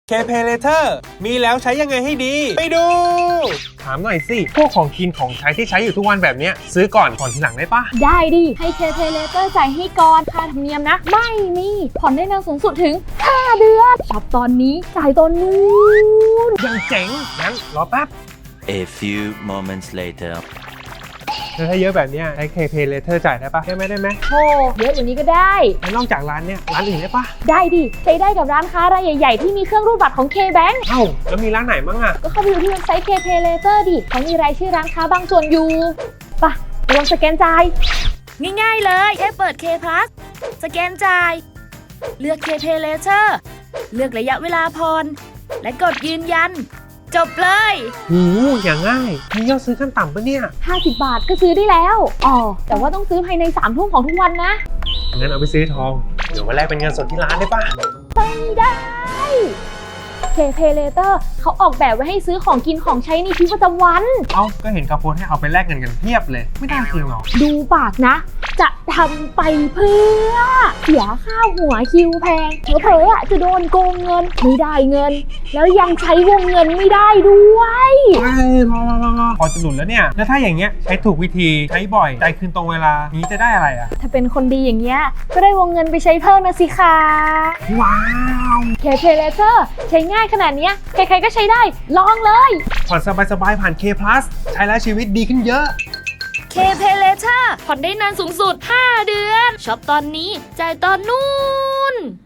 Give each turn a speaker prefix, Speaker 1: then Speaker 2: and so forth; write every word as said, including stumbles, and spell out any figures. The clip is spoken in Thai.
Speaker 1: K-Pay Later มีแล้วใช้ยังไงให้ดีไปดูถามหน่อยสิพวกของกินของใช้ที่ใช้อยู่ทุกวันแบบนี้ซื้อก่อนผ่อนทีหลังได้ปะ
Speaker 2: ได้ดิให้ K-Pay Later จ่ายให้ก่อนค่าธรรมเนียมนะไม่มีผ่อนได้นานสูงสุดถึงห้าเดือนช็อปตอนนี้จ่ายตอนนู้น
Speaker 1: ยังเจ๋งงั้นรอแป๊บ
Speaker 3: A few moments later
Speaker 1: ถ้าเยอะแบบนี้ใช้ K-Pay Later จ่ายได้ปะได้ไหมได้ไหม
Speaker 2: โอ้เยอะกว่านี้ก็ได้
Speaker 1: แล้วนอกจากร้านเนี้ยร้านอื่นได้ปะ
Speaker 2: ได้ดิใช้ได้กับร้านค้ารายใหญ่ๆที่มีเครื่องรูดบัตรของ K-Bank
Speaker 1: เอ้าแล้วมีร้านไหนบ้างอะ
Speaker 2: ก็เข้าไปดูที่เว็บไซต์ K-Pay Later ดิเขามีรายชื่อร้านค้าบางส่วนอยู่ปะลองสแกนจ่าย
Speaker 4: ง่ายๆเลยแค่เปิด K Plus สแกนจ่ายเลือก K-Pay Later เลือกระยะเวลาผ่อนและกดยืนยันจบเลย
Speaker 1: โหอย่างง่ายมียอดซื้อขั้นต่ำปะเนี่ย
Speaker 2: ห้าสิบบาทก็ซื้อได้แล้วอ๋อแต่ว่าต้องซื้อภายในสามทุ่มของทุกวันนะ
Speaker 1: งั้นเอาไปซื้อทองเดี๋ยวมาแลกเป็นเงินสดที่ร้านได้ปะ
Speaker 2: ไม่ได้ K-Pay Later เขาออกแบบไว้ให้ซื้อของกินของใช้ในชีวิตประจำวัน
Speaker 1: เอ้าก็เห็นกระโปรงให้เอาไปแลกเงินกันเพียบเลยไม่ได้จริงหรอ
Speaker 2: ดูปากนะจะทำไปเพื่อเสียค่าหัวคิวแพงเผลอๆอ่ะจะโดนโกงเงินไม่ได้เงินแล้วยังใช้วงเงินไม่ได้ด้วย
Speaker 1: พอพอพอพอจะหลุดแล้วเนี่ยแล้วถ้าอย่างเงี้ยใช้ถูกวิธีใช้บ่อยจ่ายคืนตรงเวลานี้จะได้อะไรอ่ะ
Speaker 2: ถ้าเป็นคนดีอย่างเงี้ยก็ได้วงเงินไปใช้เพิ่มนะสิคะ
Speaker 1: ว้าว
Speaker 2: K-Pay Later ใช้ง่ายขนาดนี้ใครๆก็ใช้ได้ลองเลย
Speaker 1: ผ่อนสบายๆผ่าน K Plus ใช้แล้วชีวิตดีขึ้นเยอะ
Speaker 4: K-Pay Later ผ่อนได้นานสูงสุดห้าเดือนช็อปตอนนี้จ่ายตอนนู้น